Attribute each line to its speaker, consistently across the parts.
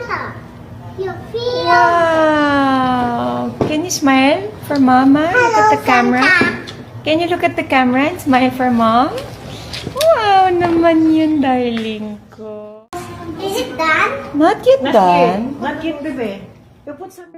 Speaker 1: Santa, you feel?
Speaker 2: Wow! Can you smile for Mama? Look at the camera. Can you look at the camera and smile for Mom? Wow naman yun, darling ko.
Speaker 1: Is it done?
Speaker 2: Not yet done.
Speaker 3: Not yet, bebe. You put some...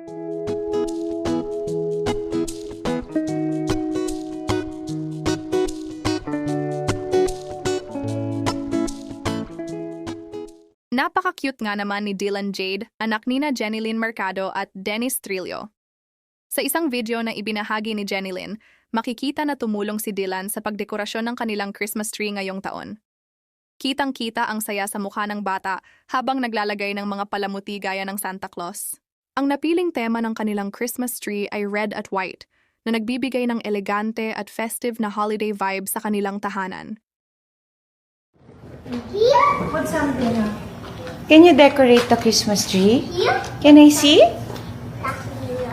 Speaker 4: Napaka-cute nga naman ni Dylan Jade, anak nina Jenilyn Mercado at Dennis Trillo. Sa isang video na ibinahagi ni Jenilyn, makikita na tumulong si Dylan sa pagdekorasyon ng kanilang Christmas tree ngayong taon. Kitang-kita ang saya sa mukha ng bata habang naglalagay ng mga palamuti gaya ng Santa Claus. Ang napiling tema ng kanilang Christmas tree ay red at white, na nagbibigay ng elegante at festive na holiday vibe sa kanilang tahanan.
Speaker 1: Here?
Speaker 3: Put something up.
Speaker 2: Can you decorate the Christmas tree?
Speaker 1: Here?
Speaker 2: Can I see?
Speaker 1: Here.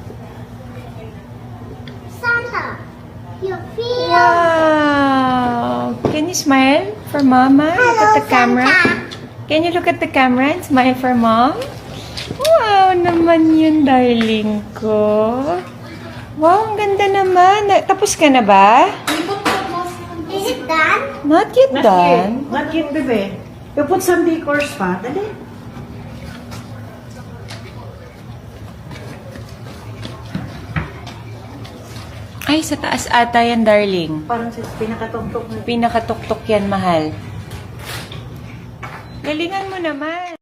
Speaker 1: Santa, you feel?
Speaker 2: Wow! Can you smile for Mama? Look at the camera. Can you look at the camera and smile for Mom? Wow naman yun, darling ko. Wow, ang ganda naman. Tapos ka na ba?
Speaker 1: Is it done?
Speaker 2: Not yet done.
Speaker 3: Not yet, bebe. You put some decors pa. Dali.
Speaker 2: Ay, sa taas ata yan, darling.
Speaker 3: Parang sa pinakatuktok na.
Speaker 2: Pinakatuktok yan, mahal. Galingan mo naman.